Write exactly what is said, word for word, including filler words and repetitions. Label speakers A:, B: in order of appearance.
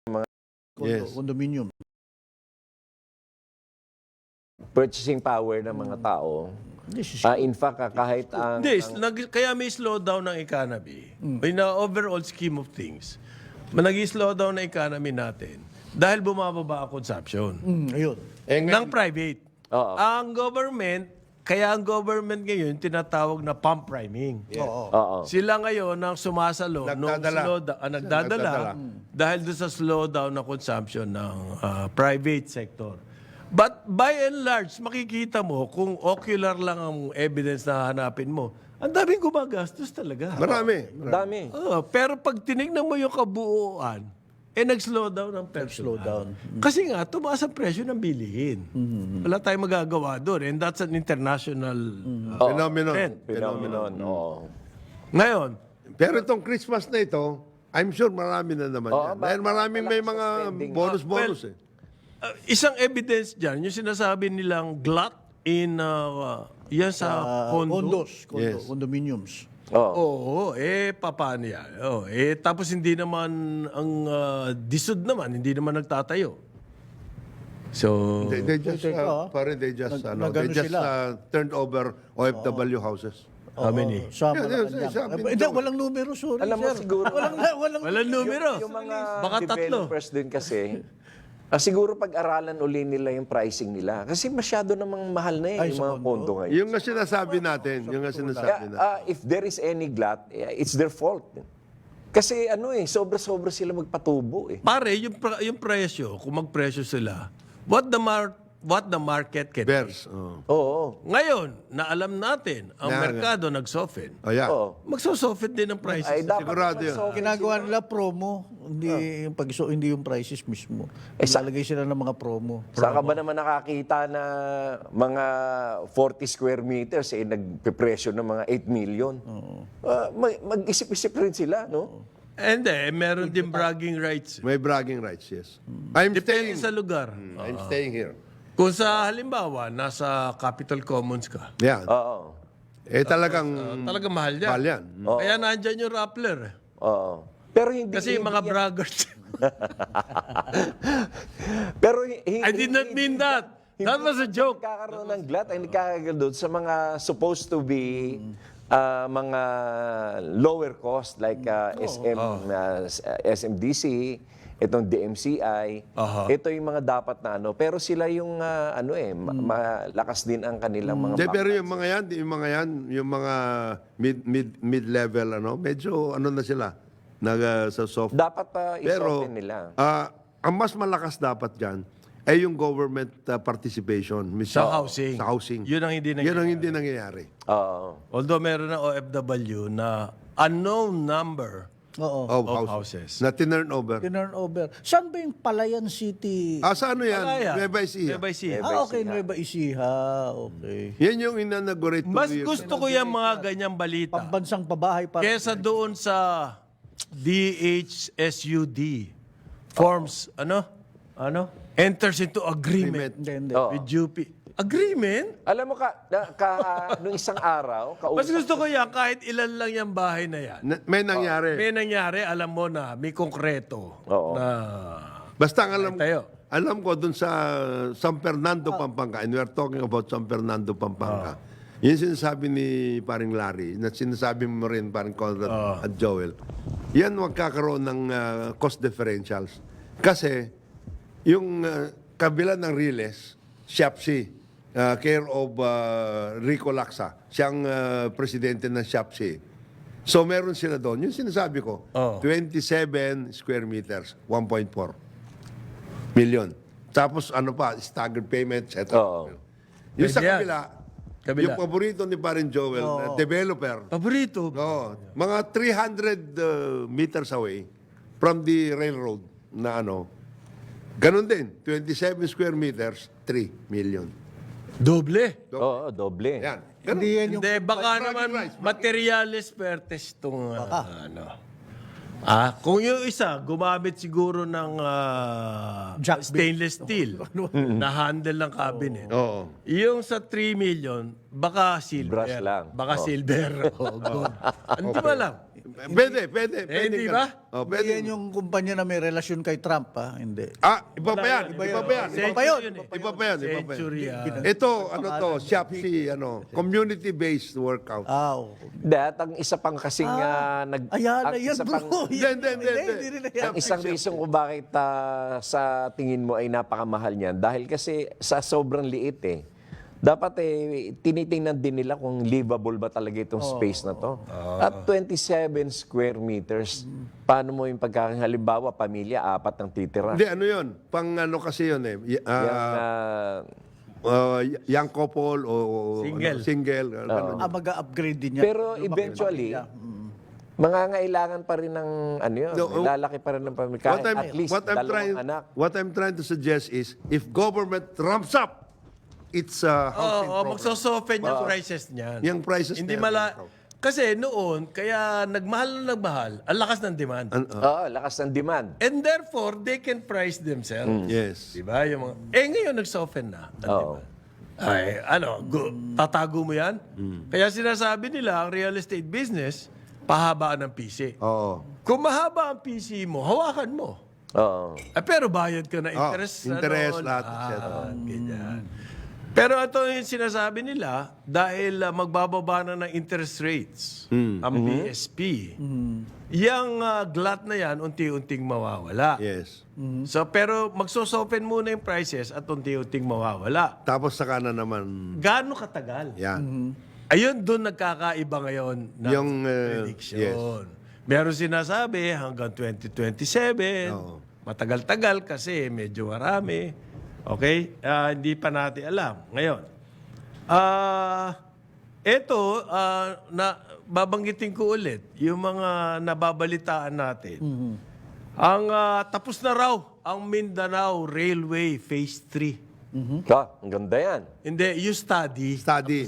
A: Mga
B: Condo,
C: Yes.
B: condominium.
A: purchasing power ng mga tao.
B: This is
A: Ah, in fact, ah, kahit ang...
D: Hindi, nag- kaya may slowdown ng economy. In the overall scheme of things, nag-slow down ng economy natin dahil bumababa ang consumption
B: mm, ayun.
C: Eh,
D: ng private.
A: Oo.
D: Ang government, kaya ang government ngayon tinatawag na pump priming.
B: Oo.
A: Oo.
D: Sila ngayon ang sumasalo nung
C: Nagdadala.
D: slowdown, ah, nagdadala,
C: Nagdadala.
D: dahil doon sa slowdown ng consumption ng ah, private sector. But by and large, makikita mo kung ocular lang ang evidence na hanapin mo, ang daming gumagastos talaga.
C: Marami.
A: Dami.
D: Oo, pero pag tinignan mo yung kabuuan, eh nag-slow down ang personal.
B: Slow down.
D: Kasi nga, tumaas ang presyo ng bilihin. Wala tayong magagawa doon. And that's an international uh,
C: Phenomenon.
D: trend.
A: Phenomenon. Oo.
D: Ngayon,
C: Pero itong Christmas na ito, I'm sure marami na naman
A: Oo,
C: yan.
A: ba-
C: Dahil maraming may
A: malakas ang
C: mga
A: spending.
C: bonus-bonus eh.
D: uh, isang evidence dyan, yung sinasabi nilang glut in, uh, yan sa
B: Ah,
D: condo.
B: condos, condo,
C: Yes.
B: condominiums.
A: Oo.
D: Oo, eh, paano yan? Oh, eh, tapos hindi naman, ang uh, disod naman, hindi naman nagtatayo. So,
C: They, they just,
B: Teka,
C: uh,
B: ah.
C: parang they just,
B: Nag-
C: ano, they
B: nagano
C: just
B: sila.
C: uh, turned over O F W houses.
D: how many?
B: Sa
C: Yeah,
B: Malacanang.
C: yeah, sabi
B: Eh,
C: nito.
B: Hindi, walang numero, sorry,
A: Alam mo,
B: sir.
A: siguro-
B: Walang, walang,
D: Walang numero.
A: Yung mga
D: Baka tatlo.
A: developers din kasi, ah, siguro pag-aralan uli nila yung pricing nila. Kasi masyado namang mahal na eh,
B: Ay,
A: yung
B: sa
A: mga
B: condo?
A: condo ngayon.
C: Yung nga sinasabi natin, yung nga sinasabi
A: Kaya,
C: natin.
A: ah, if there is any glut, eh, it's their fault. Kasi ano eh, sobra-sobra sila magpatubo eh.
D: Pare, yung, pra- yung presyo, kung magpresyo sila, what the mar what the market can
C: Bears. Oh.
A: Oo.
D: Ngayon, na alam natin, ang
C: Na-
D: merkado nag-soften.
C: Oh, yeah.
A: Oo.
D: Magso-soften din ang prices.
A: Ay, dapat
C: Sigurado yun.
A: mag-soften
B: ginagawa nila promo, hindi yung pag hindi yung prices mismo.
A: Eh, sa-
B: Ilalagay sila ng mga promo.
A: Saan ka ba naman nakakita na mga forty square meters eh nagpipresyo ng mga eight million? Ah, mag- mag-isip-isip rin sila, no?
D: And eh, meron din bragging rights.
C: May bragging rights, yes. I'm
D: Depende
C: staying.
D: sa lugar.
C: I'm staying here.
D: Kung sa halimbawa, nasa Capitol Commons ka,
C: Yan.
A: Oo.
C: Eh talagang
D: talagang mahal yan.
C: mahal yan.
D: Kaya nandyan yung Rappler. eh.
A: Oo. Pero hindi
D: Kasi yung mga
A: hindi-
D: braggers.
A: Pero hi- hi-
D: I did not mean that. That was a joke.
A: Nagkakaroon ng glut ay nagkakaroon doon sa mga supposed to be ah, mga lower cost like ah, S M ah, S M D C, itong D M C I.
D: Aha.
A: Ito yung mga dapat na ano, pero sila yung ah, ano eh ma- malakas din ang kanilang mga
C: Hindi,
A: back-
C: pero yung mga yan, yung mga yan, yung mga mid mid mid level ano, medyo ano na sila nag uh, sa soft.
A: dapat pa
C: Pero
A: i-soften nila.
C: ah, ang mas malakas dapat diyan ay yung government uh, participation mismo.
D: Sa housing.
C: Sa housing.
D: Yun ang hindi
C: Yun ang
D: nangyayari.
C: hindi nangyayari.
A: Oo.
D: Although meron ng O F W na unknown number
B: Oo.
C: Of,
D: of
C: houses.
D: houses.
C: Na tinurn over.
B: Tinurn over. Saan ba yung Palayan City?
C: Ah, sa ano yan?
D: Palayan.
C: Nueva Ecija.
D: Nueva Ecija.
A: Nueva
B: ah, okay.
A: Ecija.
B: Nueva Ecija. Okay.
C: Yan yung inanaugurate two
D: Mas
C: years
D: gusto ko yung mga ganyang balita.
B: Pambansang pabahay para
D: Kesa doon sa D H S U D forms, ano? Ano? Enters into agreement,
B: Hindi, hindi.
A: Oo.
D: with U P. Agreement?
A: Alam mo ka, na, ka nung isang araw,
D: Mas
A: kausap
D: gusto ko yan, kahit ilan lang yung bahay na yan.
C: Na- may nangyari.
D: May nangyari, alam mo na, may konkreto
A: Oo.
D: na
C: Basta ang alam,
D: tayo.
C: alam ko dun sa San Fernando, Pampanga, and we are talking about San Fernando, Pampanga. Yun sinasabi ni paring Larry, na sinasabi mo rin paring Conrad at Joel, yan magkakaroon ng uh, cost differentials. Kasi yung uh, kabila ng Riles, Shopsy, uh, care of uh, Rico Laksa, siyang uh, presidente ng Shopsy. So meron sila doon. Yung sinasabi ko,
D: Oh.
C: twenty-seven square meters, one point four million. Tapos ano pa, staggered payments, et cetera.
A: Oo.
C: Yung sa
D: Pwede yan.
C: kabila,
D: Kabila.
C: yung paborito ni Parin Joel, na developer,
D: paborito.
C: no, mga three hundred uh, meters away from the railroad na ano, ganun din, twenty-seven square meters, three million.
D: Doble.
A: Oo, doble.
C: Yan. Ganun.
B: Hindi yan yung
D: Hindi, baka
C: Bragging
D: naman
C: rights,
D: materialis pertes itong ano. Ah, kung yung isa, gumamit siguro ng ah,
B: Jack
D: stainless steel na handle ng cabinet.
C: Oo.
D: Yung sa three million, baka silver.
A: Brush lang.
D: Baka
A: Oh.
D: silver o gold. Hindi mo alam.
C: Pwede, pwede.
D: Eh,
C: pwede
D: hindi
C: ka.
D: ba?
C: Oh,
B: Hindi
C: pwede.
B: yan yung kumpanya na may relasyon kay Trump, ha? Hindi.
C: Ah, iba pa yan.
D: Iba
C: Iba
D: yun.
C: pa yan.
B: Iba pa yun.
C: Iba pa yan. Iba pa yan.
D: Century. ah.
C: Ito, ano to, Shopsy, ano, community-based workout.
B: Ah, oo.
A: That, ang isa pang kasing ah, nag...
B: Ayan,
A: ang
B: ayan,
A: isa
B: bro.
A: pang-
C: Hindi, hindi, hindi, hindi.
B: Hindi rin yan.
A: Ang isang reason kung bakit ah, sa tingin mo ay napakamahal niyan, dahil kasi sa sobrang liit eh. Dapat eh, tinitingnan din nila kung livable ba talaga itong space na to. At twenty-seven square meters, paano mo yung pagkakaroon? Halimbawa, pamilya, apat ang titira.
C: Hindi, ano yun? Pang ano kasi yun eh. Y- ah,
A: Yung, ah,
C: uh, young couple o
D: Single.
C: Ano, single. ganun.
B: Ah, mag-upgrade din yan.
A: pero eventually, mangangailangan pa rin ng ano yun,
C: No, oh.
A: lalaki pa rin ng pamilya.
C: What
A: Kahit
C: I'm,
A: at least
C: what I'm
A: dalawang
C: trying,
A: anak.
C: what I'm trying to suggest is, if government ramps up its uh,
D: Oo,
C: housing
D: oh,
C: program,
D: magso-soften yung prices niyan.
C: yung prices
D: Hindi
C: na yan,
D: mala...
C: wow.
D: Kasi noon, kaya nagmahal na nagmahal, ang lakas ng demand.
C: An-
A: Oo, lakas ng demand.
D: And therefore, they can price themselves.
C: yes.
D: Diba? Yung mga, eh ngayon, nag-soften na. ang
A: Oo.
D: demand. Ay, ano, gu- tatago mo yan? Kaya sinasabi nila, ang real estate business, pahabaan ng P C.
C: Oo.
D: Kung mahaba ang P C mo, hawakan mo.
A: Oo.
D: Eh, pero bayad ka na
C: Oh,
D: interest.
C: interest,
D: ano,
C: lahat, et
D: ah,
C: cetera.
D: ganyan. Pero ito yung sinasabi nila, dahil ah, magbababa na ng interest rates ang B S P, yung ah, glut na yan, unti-unting mawawala.
C: Yes.
D: So, pero magsosopen muna yung prices at unti-unting mawawala.
C: Tapos saka na naman,
D: Gaano katagal?
C: yan.
D: Ayun, doon nagkakaiba ngayon ng
C: Yung, uh,
D: prediction. Meron sinasabi hanggang twenty twenty-seven.
C: Oo.
D: Matagal-tagal kasi medyo marami. Okay? Ah, hindi pa natin alam. Ngayon, ah ito, ah, na, babanggitin ko ulit, yung mga nababalitaan natin. Ang ah, tapos na raw ang Mindanao Railway Phase three.
A: Ah, ang ganda yan.
D: Hindi, yung study.
C: Study.